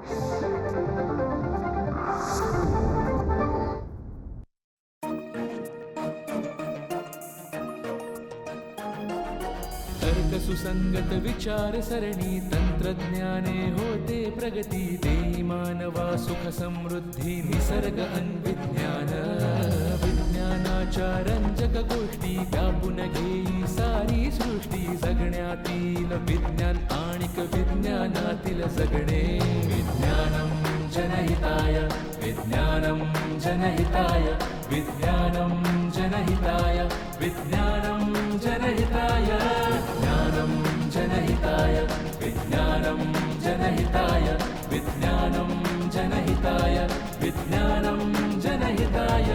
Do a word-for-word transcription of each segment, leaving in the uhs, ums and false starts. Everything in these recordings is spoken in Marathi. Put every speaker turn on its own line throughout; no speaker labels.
तर्क सुसंगत विचार सरणी तंत्रज्ञाने होते प्रगती देई मानवा सुख समृद्धी निसर्ग अन्विज्ञान विज्ञानाच्या रंजक गोष्टी व्यापून घेई सारी सृष्टी जगण्यातील विज्ञान आणिक विज्ञानातील जगणे विज्ञानम जनहिताय विज्ञानम जनहिताय विज्ञानम जनहिताय विज्ञानम जनहिताय ज्ञानम जनहिताय विज्ञानम जनहिताय विज्ञानम जनहिताय विज्ञानम जनहिताय.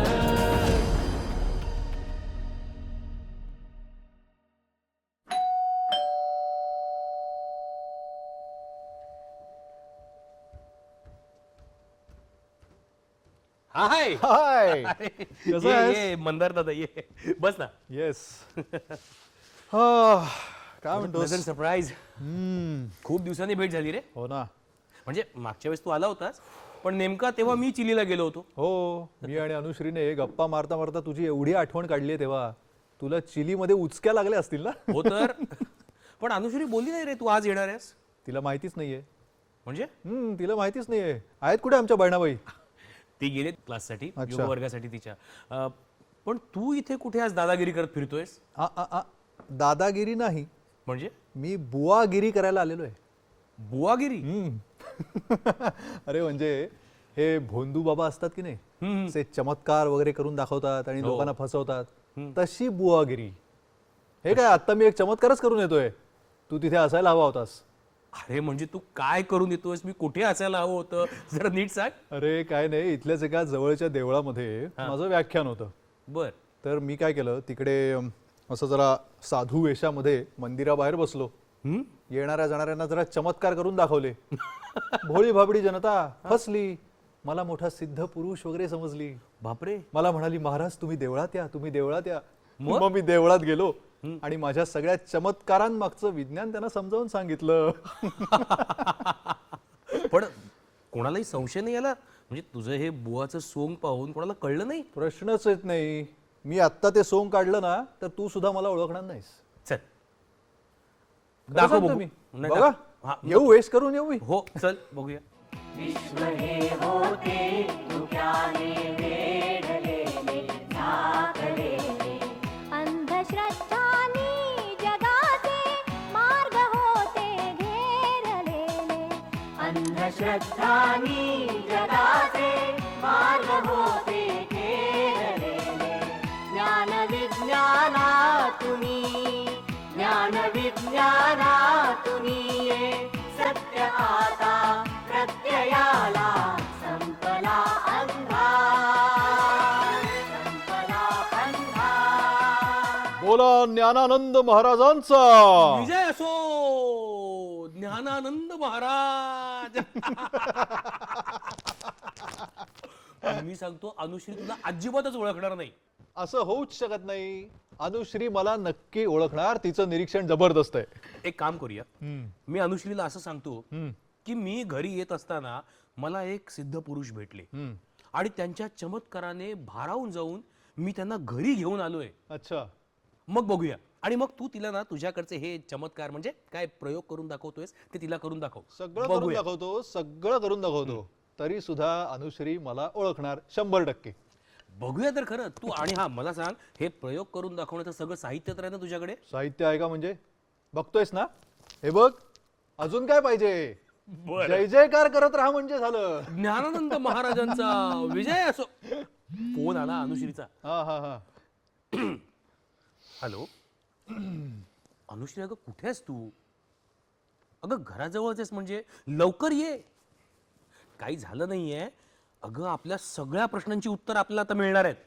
हाय
हाय
ये ये मंदार दादा ये बस ना.
येस. काय म्हणतोस?
सरप्राईज. खूप दिवसांनी भेट झाली रे.
हो ना.
म्हणजे मागच्या वेळेस तू आला होतास पण नेमका तेव्हा मी चिलीला गेलो होतो.
हो मी आणि अनुश्रीने गप्पा मारता मारता तुझी एवढी आठवण काढली आहे तेव्हा तुला चिलीमध्ये उचक्या लागल्या असतील ना.
हो तर पण अनुश्री बोलली नाही रे तू आज येणार आहेस.
तिला माहितीच नाहीये.
म्हणजे
हम्म तिला माहितीच नाहीये. आहेत कुठे आमच्या बहिणाबाई?
ती गेले क्लाससाठी
अच्छा.
योग वर्गासाठी तिच्या. अं, पण तू इथे कुठे आज दादागिरी करत फिरतोयस?
आ, आ, आ, दादागिरी नाही,
म्हणजे
मी बुवागिरी करायला आलेलो आहे.
बुवागिरी?
अरे म्हणजे हे भोंदू बाबा असतात की नाही, ते चमत्कार वगैरे करून दाखवतात आणि लोकांना फसवतात, तशी बुवागिरी. हे काय आता मी एक चमत्कारच करून येतोय, तू तिथे असायला हवा होतास.
अरे म्हणजे तू काय करून येतोयस? मी कुठे असायला हवं होतं जरा नीट सांग.
अरे काय नाही, इथल्याच एका जवळच्या देवळामध्ये माझं व्याख्यान होतं.
बर.
तर मी काय केलं, तिकडे असं जरा साधू वेशामध्ये मंदिराबाहेर बसलो. येणाऱ्या जाणाऱ्यांना जरा चमत्कार करून दाखवले. भोळी भाबडी जनता फसली. मला मोठा सिद्ध पुरुष वगैरे समजली.
बापरे.
मला म्हणाली, महाराज तुम्ही देवळात या, तुम्ही देवळात या. मग मी देवळात गेलो आणि माझ्या सगळ्या चमत्कारांमागचं विज्ञान त्यांना समजावून सांगितलं.
पण कोणालाही संशय नाही आला? म्हणजे तुझं हे बुवाचं सोंग पाहून कोणाला कळलं नाही?
प्रश्नच येत नाही. मी आत्ता ते सोंग काढलं ना तर तू सुद्धा मला ओळखणार नाहीस.
चल दाखव
मी.
नाही
बघा
हा,
येऊ, वेस्ट करून येऊ मी.
हो चल बघूया.
विश्व हे होते तुक्याने वेढलेले झाकलेले अंधश्रद्धांनी जगाचे मार्ग होते घेरलेले अंधश्रद्धांनी जगाचे मार्ग होते घेरलेले ज्ञान विज्ञानातुनी ज्ञान विज्ञानातुनी सत्य आता प्रत्ययाला संपला अंधार संपला अंधार.
बोला ज्ञानानंद महाराजांचा
विजय असो. ज्ञानानंद महाराज. मी सांगतो अनुश्री तुला अजिबातच ओळखणार नाही.
असं होऊच शकत नाही. अनुश्री मला नक्की ओळखणार, तिचं निरीक्षण जबरदस्त आहे.
एक काम करूया, मी अनुश्रीला असं सांगतो की मी घरी येत असताना मला एक सिद्ध पुरुष भेटले आणि त्यांच्या चमत्काराने भारावून जाऊन मी त्यांना घरी घेऊन आलोय.
अच्छा.
मग बघूया. आणि मग तू तिला ना तुझ्याकडचे हे चमत्कार म्हणजे काय प्रयोग करून दाखवतोयस ते तिला करून दाखव.
सगळं करून दाखवतो, सगळं करून दाखवतो. तरी सुद्धा अनुश्री मला ओळखणार शंभर टक्के.
बघूया तर खरं तू. आणि हा मला सांग, हे प्रयोग करून दाखवण्याचं सगळं साहित्य तर आहे ना तुझ्याकडे?
साहित्य आहे का म्हणजे? बघतोयस ना, हे बघ. अजून काय पाहिजे? जय जयकार करत राहा म्हणजे झालं.
ज्ञानानंद महाराजांचा विजय असो. फोन आला अनुश्रीचा.
हा हा हा.
हॅलो अनुश्री, अगं कुठे आहेस तू? अगं घराजवळच आहेस म्हणजे लवकर ये. काही झालं नाहीये अगं, आपल्या सगळ्या प्रश्नांची उत्तर आपल्याला आता मिळणार आहेत.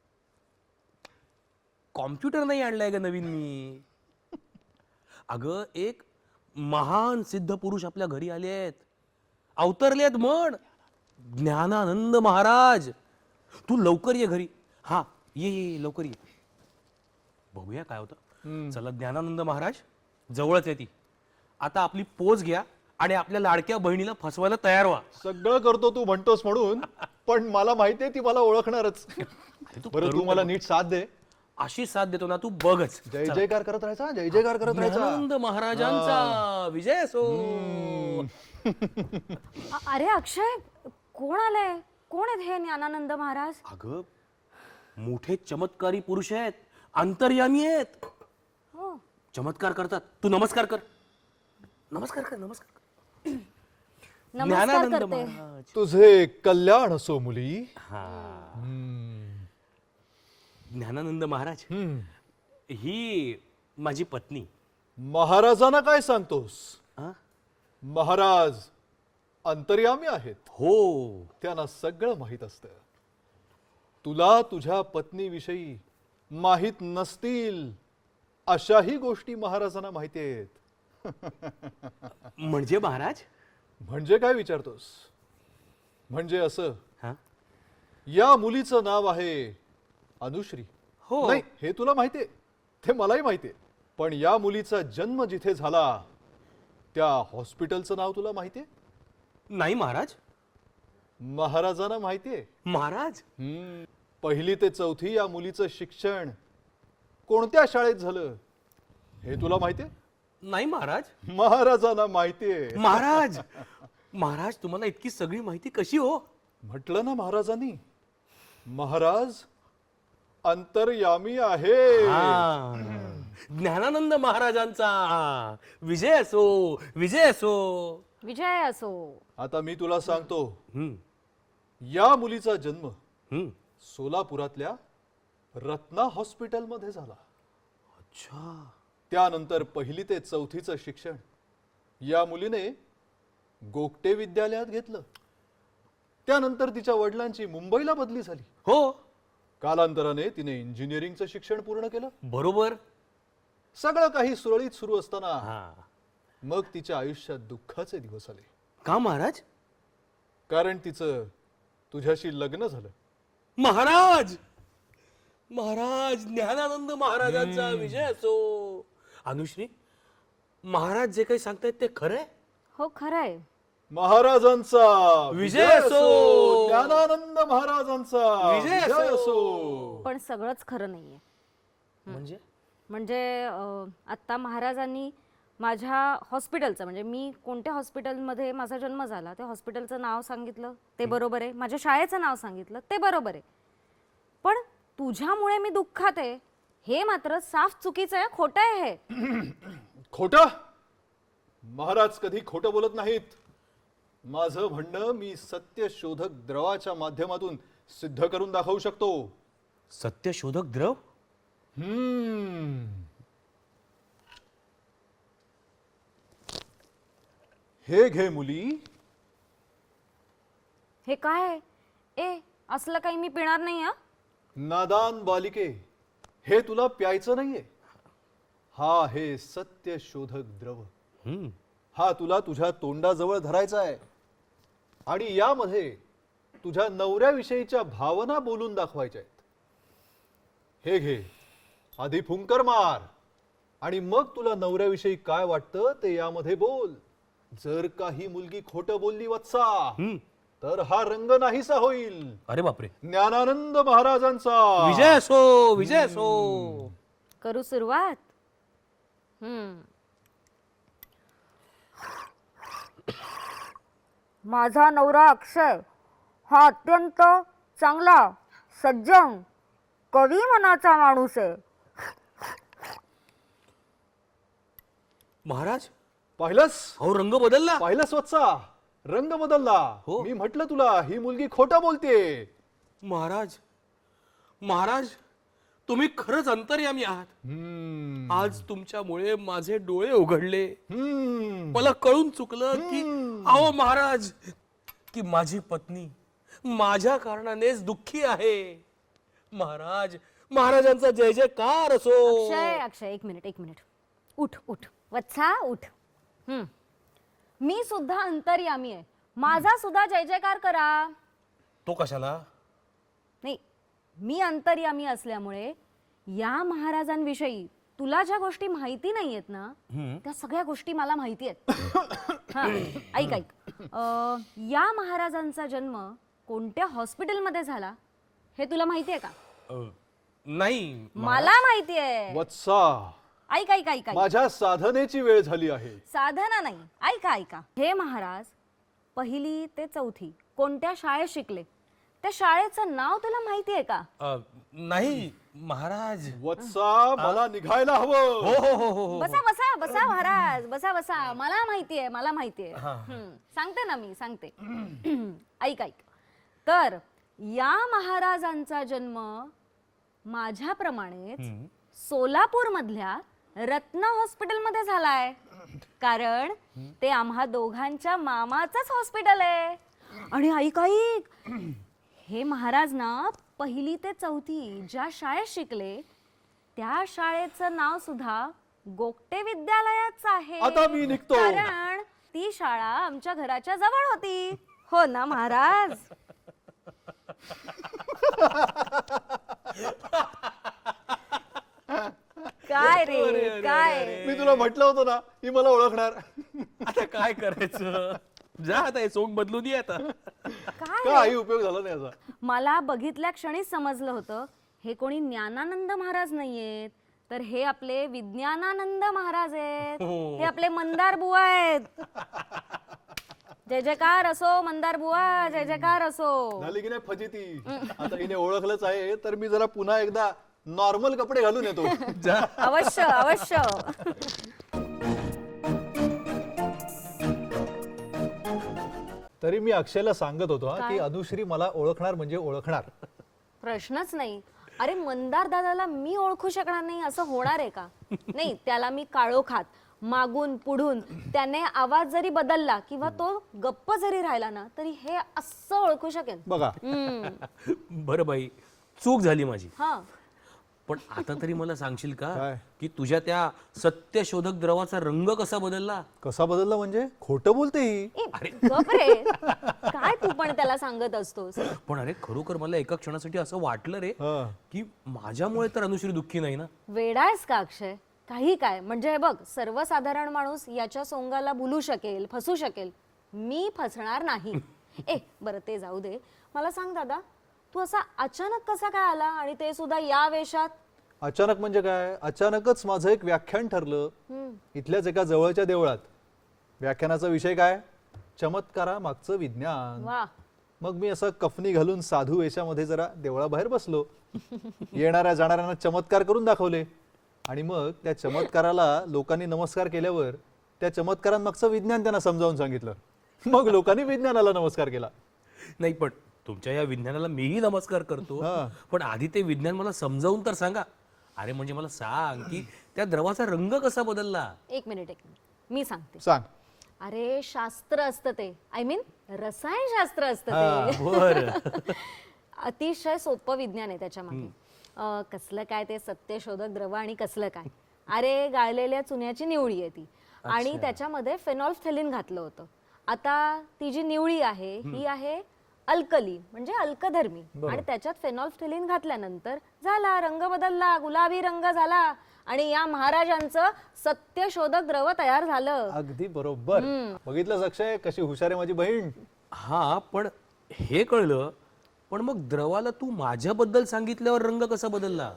कॉम्प्युटर नाही आणलाय ग नवीन मी. अगं एक महान सिद्ध पुरुष आपल्या घरी आले आहेत, अवतरले आहेत म्हण. ज्ञानानंद महाराज. तू लवकर ये घरी. हा ये ये लवकर ये. बघूया काय होतं. चला ज्ञानानंद महाराज जवळच आहे ती. आता आपली पोज घ्या आणि आपल्या लाडक्या बहिणीला फसवायला तयार व्हा.
सगळं करतो तू म्हणतोस म्हणून, पण मला माहितीये ती मला ओळखणारच.
तू
बरं तू मला नीट साथ दे.
अशी साथ देतो ना तू बघच.
जय जयकार करत राहायचा, जय जयकार करत राहायचा.
ज्ञानानंद महाराजांचा विजय असो.
अ- अरे अक्षय, कोण आलंय? कोण आहेत हे ज्ञानानंद महाराज?
अगं मोठे चमत्कारी पुरुष आहेत, अंतर्यामी आहेत,
हो.
चमत्कार करतात. तू नमस्कार कर, नमस्कार कर, नमस्कार कर.
नमस्कार
ज्ञानानंद
करते.
महाराज.
तुझे कल्याण असो मुली.
ज्ञानानंद महाराज, ही माझी पत्नी.
महाराजांना काय सांगतोस?
हा?
महाराज अंतर्यामी आहेत,
हो.
त्यांना सगळं माहित असतं. तुला तुझ्या पत्नीविषयी माहित नसतील अशाही गोष्टी महाराजांना माहिती आहेत.
म्हणजे महाराज?
म्हणजे काय विचारतोस? म्हणजे असं,
हा?
या मुलीचं नाव आहे अनुश्री.
हो.
नाही, हे तुला माहितीये, ते मलाही माहितीये. पण या मुलीचा जन्म जिथे झाला त्या हॉस्पिटलचं नाव तुला माहितीये?
नाही महाराज.
महाराजांना माहितीये.
महाराज,
हम्म. पहिली ते चौथी या मुलीचं शिक्षण कोणत्या शाळेत झालं हे तुला माहितीये?
नाही महाराज.
महाराजांना माहितीये.
महाराज, महाराज तुम्हाला इतकी सगळी माहिती कशी हो?
म्हटलं ना महाराजांनी, महाराज अंतर्यामी आहे.
हा. ज्ञानानंद महाराजांचा विजय असो, विजय असो.
विजय असो.
आता मी तुला सांगतो,
हम्म,
या मुलीचा जन्म
हम्म.
सोलापुरातल्या रत्ना हॉस्पिटलमध्ये झाला.
अच्छा.
त्यानंतर पहिली ते चौथीचं शिक्षण या मुलीने गोगटे विद्यालयात घेतलं. त्यानंतर तिच्या वडिलांची मुंबईला बदली झाली.
हो,
कालांतराने तिने इंजिनिअरिंगचं शिक्षण पूर्ण केलं.
बरोबर.
सगळं काही सुरळीत सुरू असताना
हा.
मग तिच्या आयुष्यात दुःखाचे दिवस आले.
का महाराज?
कारण तिचं तुझ्याशी लग्न झालं.
महाराज, महाराज ज्ञानानंद महाराजांचा विजय असो. अनुश्री, महाराज जे काही सांगतायत ते खरंय?
हो, खरंय.
महाराजांचा
विजय असो.
ज्ञानानंद महाराजांचा
विजय
विजय
असो.
असो.
पण सगळंच खरं नाहीये.
म्हणजे
म्हणजे अं, आत्ता महाराजांनी माझ्या हॉस्पिटलचं, म्हणजे मी कोणत्या हॉस्पिटलमध्ये माझा जन्म झाला त्या हॉस्पिटलचं नाव सांगितलं, ते बरोबर आहे. माझ्या शाळेचं नाव सांगितलं, ते बरोबर आहे. पण तुझ्यामुळे मी दुःखात आहे हे मात्र साफ चुकीचं आहे, खोटं आहे हे.
खोटं? महाराज कधी खोटं बोलत नाहीत. माझं म्हणणं मी सत्यशोधक द्रवाच्या माध्यमातून सिद्ध करून दाखवू शकतो.
सत्यशोधक द्रव?
हम्म. हे घे मुली.
हे काय आहे? ए, असलं काही मी पिणार नाही. हा,
नादान बालिके, हे तुला प्यायचं नाहीये. हा आहे सत्यशोधक द्रव.
हम्म.
हा तुला तुझ्या तोंडाजवळ धरायचा आहे आणि यामध्ये तुझ्या नवऱ्याविषयीच्या भावना बोलून दाखवायच्या आहेत. हे घे, आधी फुंकर मार आणि मग तुला नवऱ्याविषयी काय वाटतं ते यामध्ये बोल. जर काही मुलगी खोटं बोलली वत्सा,
हम्म.
तर हा रंग नाहीसा होईल.
अरे बापरे.
ज्ञानानंद महाराजांचा
विजय असो, विजय असो.
करू सुरुवात. हम्म. माझा नवरा अक्षय हा अत्यंत चांगला, सज्जन, कवी मनाचा माणूस आहे.
महाराज,
पाहिलंस?
अहो रंग बदलला.
पाहिलंस वत्सा, रंग बदलला.
हो.
मी म्हटलं तुला ही मुलगी खोटं बोलते.
महाराज, महाराज तुम्ही खरंच अंतर्यामी आहात.
हम्म.
आज तुमच्यामुळे माझे डोळे उघडले.
हम्म.
मला कळून चुकलं की अहो महाराज, की माझी पत्नी माझ्या कारणानेच दुःखी आहे. महाराज, महाराजांचा जय जयकार असो.
अक्षय, अक्षय, एक मिनिट, एक मिनिट. उठ, उठ, वत्सा, उठ. हम्म. मी सुद्धा अंतर्यामी आहे. माझा सुद्धा जय जयकार करा.
तो कशाला?
नाही, मी अंतर्यामी असल्यामुळे या महाराजांविषयी तुला ज्या गोष्टी माहिती नाहीयेत ना, त्या सगळ्या गोष्टी मला माहिती आहेत. हा ऐक ऐक अं, या महाराजांचा जन्म कोणत्या हॉस्पिटलमध्ये झाला हे तुला माहिती आहे का?
अ, नाही
मला माहिती आहे.
वत्सा,
ऐक ऐक ऐक ऐक
माझ्या साधनेची वेळ झाली आहे.
साधना नाही, ऐका ऐका. हे महाराज पहिली ते चौथी कोणत्या शाळेत शिकले त्या शाळेचं नाव तुला माहिती आहे का?
अ, नाही महाराज.
वत्सा, मला निघायला हवं.
हो हो हो हो हो.
बसा बसा बसा महाराज बसा बसा. मला माहिती आहे मला माहिती आहे. हम्म, सांगते ना मी सांगते. ऐक ऐक तर या महाराजांचा जन्म माझ्याप्रमाणेच सोलापूर मधल्या रत्न हॉस्पिटलमध्ये झालाय. कारण ते आम्हा दोघांच्या मामाचंच हॉस्पिटल आहे. आणि ऐक ऐक हे महाराज ना पहिली ते चौथी ज्या शाळेत शिकले त्या शाळेचं नाव सुद्धा गोगटे विद्यालयाच आहे.
आता मी निघतो.
कारण ती शाळा आमच्या घराच्या जवळ होती. हो ना महाराज? काय रे काय?
मी तुला म्हटलं होतं ना ही मला ओळखणार.
आता काय करायचं? जा आता हे सोंग बदलून ये आता.
काय
काही उपयोग झाला नाही याचा.
मला बघितल्या क्षणीच समजलं होतं हे कोणी ज्ञानानंद महाराज नाहीयेत तर हे आपले विज्ञानानंद महाराज आहेत. हे आपले मंदार बुवा आहेत. जय जयकार असो मंदार बुवा, जय जयकार असो.
झाली की नाही फजिती? आता हिने ओळखलंच आहे तर मी जरा पुन्हा एकदा नॉर्मल कपडे घालून येतो.
जा.
अवश्य अवश्य.
तरी मी अक्षयला सांगत होतो हा,
काय?
की अनुश्री मला ओळखणार म्हणजे ओळखणार.
प्रश्नच नाही. अरे मंदार दादाला मी ओळखू शकणार नाही असं होणार आहे का? नाही, त्याला मी काळोखात मागून पुढून त्याने आवाज जरी बदलला किंवा तो गप्प जरी राहिला ना तरी हे असं ओळखू शकेन.
बघा,
हम्म,
बरं बाई, चूक झाली माझी.
हा
पण आता तरी मला सांगशील का
काय?
की तुझ्या त्या सत्यशोधक द्रवाचा रंग कसा बदलला?
कसा बदलला म्हणजे? खोटं बोलते ही.
ए, गप रे. काय तू पण त्याला सांगत असतोस?
पण अरे खरोखर मला एका क्षणासाठी असं वाटलं रे
हा.
की माझ्यामुळे तर अनुश्री दुःखी नाही ना.
वेडायस का अक्षय? काही काय म्हणजे हे बघ, सर्वसाधारण माणूस याच्या सोंगाला भुलू शकेल, फसू शकेल. मी फसणार नाही. ए बरं ते जाऊ दे. मला सांग दादा, तू असा अचानक कसा काय आला आणि ते सुद्धा या वेशात?
अचानक म्हणजे काय? अचानकच माझं एक व्याख्यान ठरलं
हम्म,
इथल्याच एका जवळच्या देवळात. व्याख्यानाचा विषय काय? चमत्कारा मागचं विज्ञान.
वा.
मग मी असं कफनी घालून साधू वेशामध्ये जरा देवळाबाहेर बसलो. येणाऱ्या जाणाऱ्यांना चमत्कार करून दाखवले आणि मग त्या चमत्काराला लोकांनी नमस्कार केल्यावर त्या चमत्कारांमागचं विज्ञान त्यांना समजावून सांगितलं. मग लोकांनी विज्ञानाला नमस्कार केला.
नाही, पण तुमच्या या विज्ञानाला मीही नमस्कार करतो.
हा.
पण आधी ते विज्ञान मला समजावून तर सांगा. अरे म्हणजे मला सांग की त्या द्रवाचा रंग कसा बदलला?
एक मिनिट एक मिनिट मी सांगते.
सांग.
अरे शास्त्र असतं ते, आय मीन रसायनशास्त्र असतं
हा,
ते.
बरं.
अतिशय सोपं विज्ञान आहे त्याच्या मागे. अं, कसलं काय ते सत्यशोधक द्रव आणि कसलं काय? अरे गाळलेल्या चुन्याची निवळी आहे ती आणि त्याच्यामध्ये फेनॉल्फ्थेलिन घातलं होतं. आता ती जी निवळी आहे ही आहे अल्कली म्हणजे अल्कधर्मी आणि त्याच्यात फेनॉल्फ्थेलिन घातल्यानंतर झाला रंग बदलला, गुलाबी रंग झाला आणि या महाराजांचं सत्यशोधक द्रव तयार झालं.
अगदी बरोबर. बघितलं अक्षय, कशी हुशार आहे माझी बहीण.
हा, पण हे कळलं. पण मग द्रवाला तू माझ्याबद्दल सांगितल्यावर रंग कसा बदलला?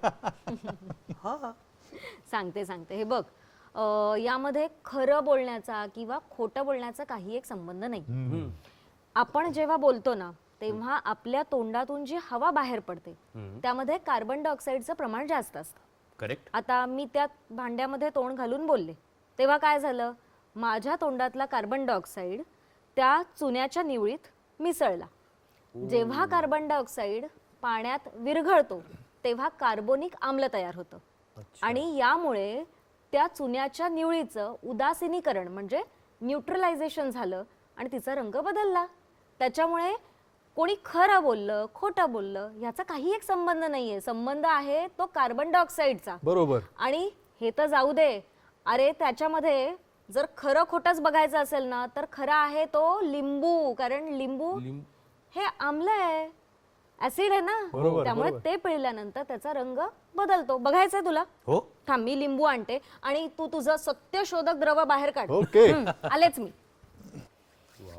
हा,
सांगते सांगते हे बघ, अं, यामध्ये खरं बोलण्याचा किंवा खोटं बोलण्याचा काही एक संबंध नाही. आपण जेव्हा बोलतो ना तेव्हा आपल्या तोंडातून जी हवा बाहेर पडते त्यामध्ये कार्बन डायऑक्साईडचं प्रमाण जास्त असतं.
करेक्ट.
आता मी त्या भांड्यामध्ये तोंड घालून बोलले तेव्हा काय झालं? माझ्या तोंडातला कार्बन डायऑक्साईड त्या चुन्याच्या निवळीत मिसळला. जेव्हा कार्बन डायऑक्साईड पाण्यात विरघळतो तेव्हा कार्बोनिक आम्ल तयार होतं आणि यामुळे त्या चुन्याच्या निवळीचं उदासीनीकरण म्हणजे न्यूट्रलायझेशन झालं आणि तिचा रंग बदलला. त्याच्यामुळे कोणी खरं बोललं खोटं बोललं याचा काही एक संबंध नाहीये. संबंध आहे तो कार्बन डायऑक्साईडचा.
बरोबर.
आणि हे तर जाऊ दे, अरे त्याच्यामध्ये जर खरं खोटंच बघायचं असेल ना तर खरं आहे तो लिंबू. कारण लिंबू हे आम्ल आहे, ऍसिड आहे ना,
बरोबर,
त्यामुळे
बरोबर.
ते पिळल्यानंतर त्याचा रंग बदलतो. बघायचंय तुला?
हो.
थांब मी लिंबू आणते आणि तू तुझं सत्यशोधक द्रव बाहेर काढ.
ओके.
हं, आलेच मी.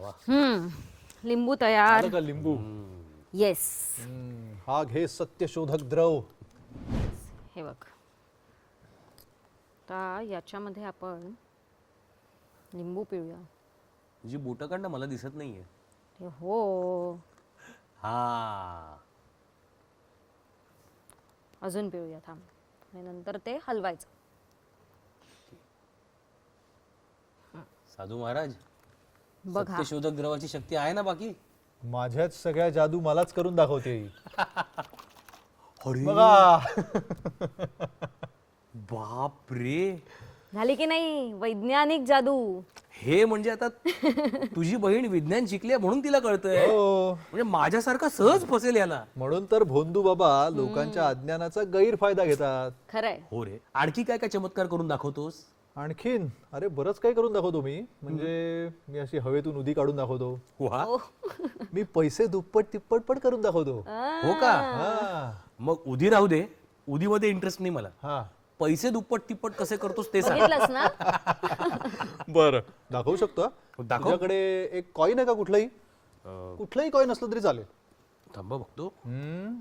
हम्म लिंबू तयार.
आलं का लिंबू?
येस,
हम्म, हा घे सत्यशोधक द्रव.
हे बघ. आता याच्यामध्ये आपण लिंबू पिळूया.
जी बोटं काढणं मला दिसत नाहीये.
हे हो,
हा
अजून पिळूया, थांब. आणि नंतर ते हलवायचं.
साधू महाराज,
बघा,
सत्यशोधक द्रवाची शक्ती आहे ना बाकी?
माझ्याच सगळ्या जादू मलाच करून दाखवते ही.
अरे
बघा.
बाप रे,
झाली की नाही वैज्ञानिक जादू.
हे म्हणजे आता तुझी बहीण विज्ञान शिकली आहे म्हणून तिला कळतंय.
हो,
म्हणजे माझ्यासारखा सहज फसेल याला.
म्हणून तर भोंदू बाबा लोकांच्या अज्ञानाचा गैरफायदा घेतात.
खरंय.
हो रे, आणखी काय काय चमत्कार करून दाखवतोस?
आणखीन अरे बरंच काही करून दाखवतो मी. म्हणजे मी अशी हवेतून उदी काढून दाखवतो.
वा,
मी पैसे दुप्पट तिप्पट पण करून दाखवतो.
हो का?
हा
मग उदी राहू दे, उदीमध्ये इंटरेस्ट नाही मला.
हा
पैसे दुप्पट तिप्पट कसे करतोस ते सांग.
बघितलंस ना.
बरं,
दाखवू शकतो हा?
दाखव.
तुझ्याकडे एक कॉईन आहे का कुठलाही? कुठलंही कॉईन असलं तरी चालेल.
थांबा बघतो.
हम्म,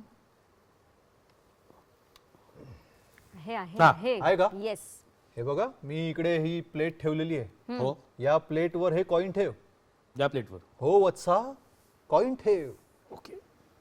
हे आहे,
हा,
आहे.
आहे का?
येस.
हे बघा, मी इकडे ही प्लेट ठेवलेली आहे.
हो,
या प्लेटवर हे कॉईन ठेव.
या प्लेटवर.
हो वत्सा, कॉईन ठेव.
ओके.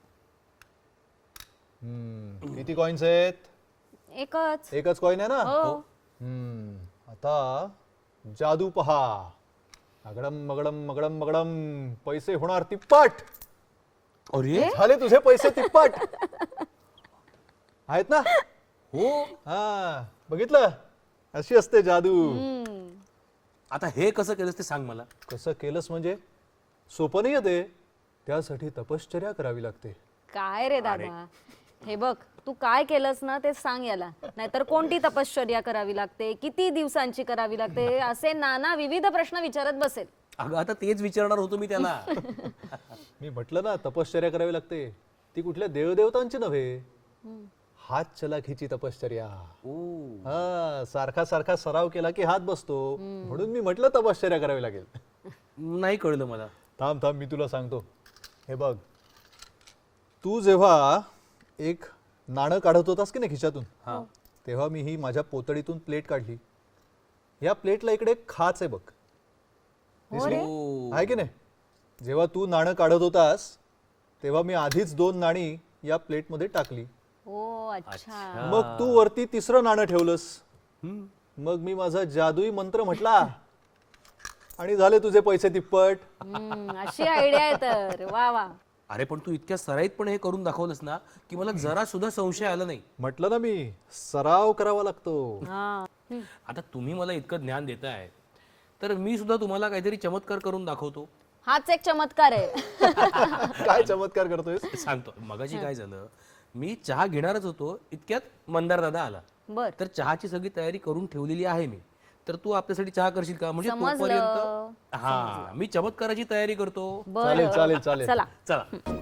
हम्म, किती कॉईन्स आहेत?
एकच.
एकच कॉईन आहे ना?
हो.
हम्म, आता जादू पहा. अगडम मगडम मगडम मगडम, पैसे होणार तिप्पट.
अरे
झाले तुझे पैसे तिप्पट. आहेत ना?
हो,
हा, बघितलं? अशी असते जादू.
हम्म.
आता हे कसं केलंस ते सांग मला.
कसं केलंस म्हणजे? सोपं नाही ते. त्यासाठी तपश्चर्या करावी लागते.
काय रे दादा, हे बघ, तू काय केलंस ना ते सांग याला. नाहीतर कोणती तपश्चर्या करावी लागते, किती दिवसांची करावी लागते, असे नाना विविध प्रश्न विचारत बसेल.
अगं आता तेच विचारणार होतो मी त्याला.
मी म्हटलं ना तपश्चर्या करावी लागते. ती कुठल्या देवदेवतांची नव्हे, हात चलाखीची तपश्चर्या.
ओ,
हा, सारखा सारखा सराव केला की हात बसतो. म्हणून मी म्हटलं तपश्चर्या करावी लागेल.
नाही कळलं मला.
थांब थांब मी तुला सांगतो. हे बघ, तू जेव्हा एक नाणं काढत होतास की नाही खिशातून, तेव्हा मी ही माझ्या पोतडीतून प्लेट काढली. या प्लेटला इकडे एक खाच आहे बघ. दिसली?
ओ,
आहे की नाही? जेव्हा तू नाणं काढत होतास तेव्हा मी आधीच दोन नाणी या प्लेटमध्ये टाकली.
ओ अच्छा.
मग तू वरती तिसरं नाणं ठेवलंस.
हम्म.
मग मी माझा जादुई मंत्र म्हटला आणि झाले तुझे पैसे तिप्पट.
हम्म, अशी आयडिया आहे तर. वा वा.
अरे पण तू इतक्या सराईतपणे हे करून दाखवलंस ना की मला जरा सुद्धा संशय आला नाही.
म्हटलं ना मी, सराव करावा लागतो.
हा.
आता तुम्ही मला इतकं ज्ञान देताय तर मी सुद्धा तुम्हाला काहीतरी चमत्कार करून दाखवतो.
हाच एक चमत्कार आहे.
काय चमत्कार करतोयस?
सांगतो. मगाशी काय झालं, मी चहा घेणारच होतो इतक्यात मंदार दादा आला.
बर.
तर चहाची सगळी तयारी करून ठेवलेली आहे मी. तर तू आपल्यासाठी चहा करशील का? म्हणजे
समजलं.
तोपर्यंत हा मी चमत्काराची तयारी करतो.
चालेल
बर.
चालेल चालेल.
चला.
चला.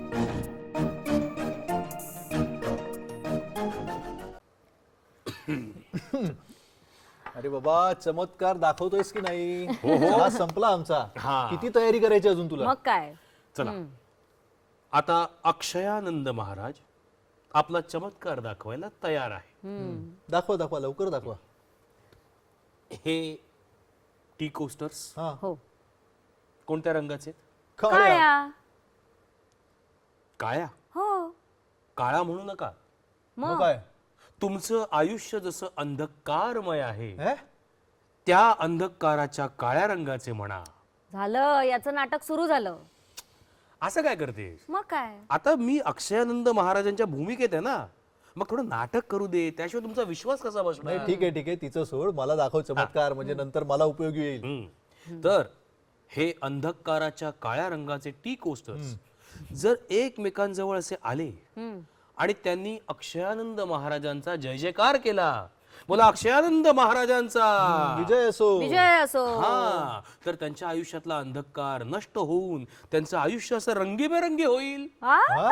अरे बाबा, चमत्कार दाखवतोयस की नाही? हा संपला आमचा.
हा.
किती तयारी करायची अजून तुला?
मग काय.
चला. आता अक्षयानंद महाराज आपला चमत्कार दाखवायला तयार आहे.
दाखवा दाखवा, लवकर दाखवा.
हे टी कोस्टर्स
हा,
हो.
कोणत्या रंगाचे?
काळ्या.
काळ्या.
काळ्या?
हो.
काळा म्हणू नका.
मग
मग
काय?
तुमचं आयुष्य जसं अंधकारमय आहे
हे?
त्या अंधकाराच्या काळ्या रंगाचे म्हणा.
झालं, याचं नाटक सुरू झालं.
असं काय करतेस?
मग काय.
आता मी अक्षयानंद महाराजांच्या भूमिकेत आहे ना, मग थोडं नाटक करू दे. त्याशिवाय तुमचा विश्वास कसा
नाही
बसणार?
ठीक आहे ठीक आहे, तिचं सोड. मला दाखव चमत्कार, म्हणजे नंतर मला उपयोगी येईल.
हम्म. तर हे अंधकाराच्या काळ्या रंगाचे टी कोस्टर्स जर एकमेकांजवळ असे आले
हम्म.
आणि त्यांनी अक्षयानंद महाराजांचा जय जयकार केला, बोला अक्षयानंद महाराजांचा
विजय असो.
विजय असो.
हा, तर त्यांच्या आयुष्यातला अंधकार नष्ट होऊन त्यांचं आयुष्य असं रंगीबेरंगी होईल.
हा?
हा?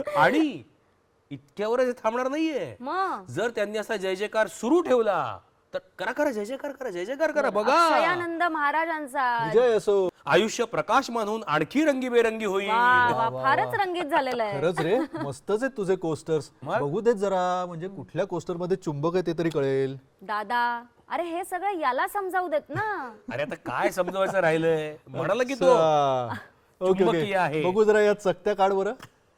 आणि इतक्यावरच हे थांबणार नाहीये.
मग
जर त्यांनी असा जय जयकार सुरू ठेवला तर करा करा जय जयकार करा जय जयकार करा बघा
अक्षयानंद महाराजांचा
विजय असो.
आयुष्य प्रकाशमान होऊन आणखी रंगीबेरंगी होईल.
वा वा फारच रंगीत झालेलं आहे.
खरंच रे मस्तच आहेत तुझे कोस्टर्स. बघू देत जरा, म्हणजे कुठल्या कोस्टर मध्ये चुंबक आहे ते तरी कळेल.
दादा अरे हे सगळं याला समजावू देत ना.
अरे आता काय समजवायचं राहिलंय म्हणाला की तो
अच्छा. ओके
चुंबकीय
ओके
आहे.
बघू जरा या चकत्या काढ बरं.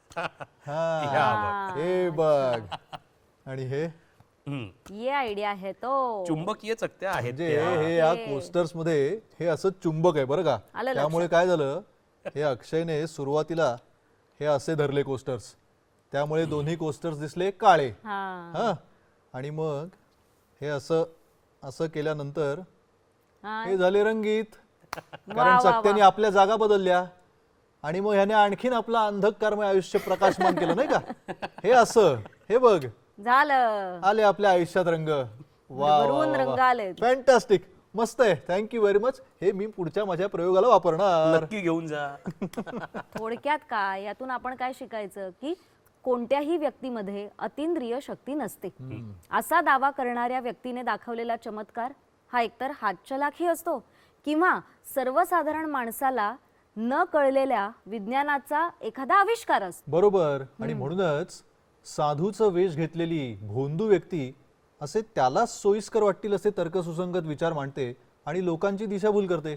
या
हा
बघ.
हे बघ आणि हे
हम्म.
ये आयडिया आहे तो.
चुंबकीय चकत्या आहेत
म्हणजे
त्या.
हे या कोस्टर्स मध्ये हे असं चुंबक आहे बरं का.
आलं लक्षात.
त्यामुळे काय झालं, हे अक्षयने सुरुवातीला हे असे धरले कोस्टर्स, त्यामुळे दोन्ही कोस्टर्स दिसले काळे.
हा
हा आणि मग हे असं असं केल्यानंतर
हा.
हे झाले रंगीत. कारण
वा, वा.
चकत्याने आपल्या जागा बदलल्या आणि मग ह्याने आणखीन आपला अंधकारमय आयुष्य प्रकाशमान केलं नाही का. हे असं हे बघ
झालं.
आले आपल्या आयुष्यात रंग.
भरभरून रंग आलेत.
फॅन्टॅस्टिक, मस्त आहे, थँक्यू व्हेरी मच. हे मी पुढच्या माझ्या प्रयोगाला वापरणार.
नक्की घेऊन जा.
थोडक्यात काय यातून आपण काय शिकायचं की कोणत्याही व्यक्तीमध्ये अतिंद्रिय शक्ती नसते. असा दावा करणाऱ्या व्यक्तीने दाखवलेला चमत्कार हा एकतर हातचलाखी असतो किंवा सर्वसाधारण माणसाला न कळलेल्या विज्ञानाचा एखादा आविष्कार असतो.
बरोबर. आणि म्हणूनच साधूचं वेश घेतलेली भोंदू व्यक्ती असे त्याला सोयीस्कर वाटतील असे तर्कसुसंगत विचार मांडते आणि लोकांची दिशाभूल करते.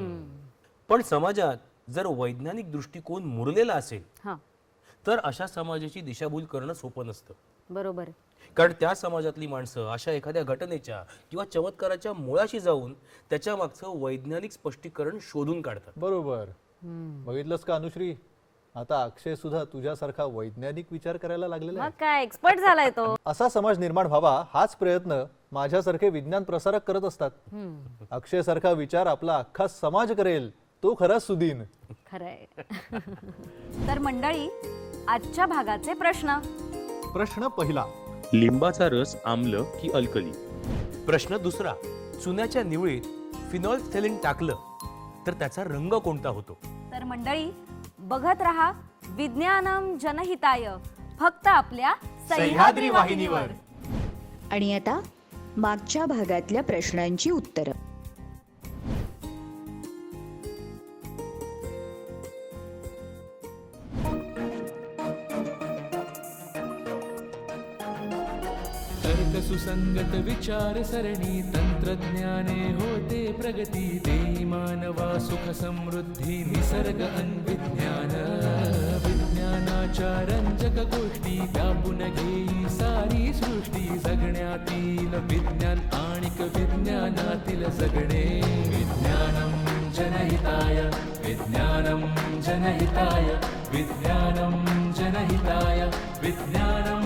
पण समाजात जर वैज्ञानिक दृष्टिकोन मुरलेला असेल
हा
तर अशा समाजाची दिशाभूल करणं सोपं नसतं.
बरोबर आहे.
कारण त्या समाजातली माणसं अशा एखाद्या घटनेच्या किंवा चमत्काराच्या मुळाशी जाऊन त्याच्या मागचं वैज्ञानिक स्पष्टीकरण शोधून काढतात.
बरोबर. बघितलंस का अनुश्री, आता अक्षय सुद्धा तुझ्यासारखा वैज्ञानिक विचार करायला लागलेला
मग
आहे.
काय एक्सपर्ट झालाय तो.
असा समाज निर्माण व्हावा हाच प्रयत्न माझ्यासारखे विज्ञान प्रसारक करत असतात. अक्षय सारखा विचार आपला अख्खा समाज करेल तो खरा सुदीन.
खरंय. तर मंडळी आजच्या भागाचे प्रश्न.
प्रश्न पहिला,
लिंबाचा रस आम्ल की अल्कली?
प्रश्न दुसरा, चुन्याच्या निवळीत फिनॉल्फथेलिन टाकलं तर त्याचा रंग कोणता होतो?
तर मंडळी बघत रहा विज्ञानम जनहिताय फक्त आपल्या सह्याद्री वाहिनीवर.
आणि आता मागच्या भागातल्या प्रश्नांची उत्तरं.
तर्क सुसंगत विचार सरणी तंत्रज्ञाने होते प्रगती देई मानवा सुख समृद्धी निसर्ग अन्विज्ञान विज्ञानाच्या रंजक गोष्टी व्यापून घेई सारी सृष्टी जगण्यातील विज्ञान आणिक विज्ञानातील जगणे विज्ञानम जनहिताय विज्ञानम जनहिताय विज्ञानम जनहिताय विज्ञानम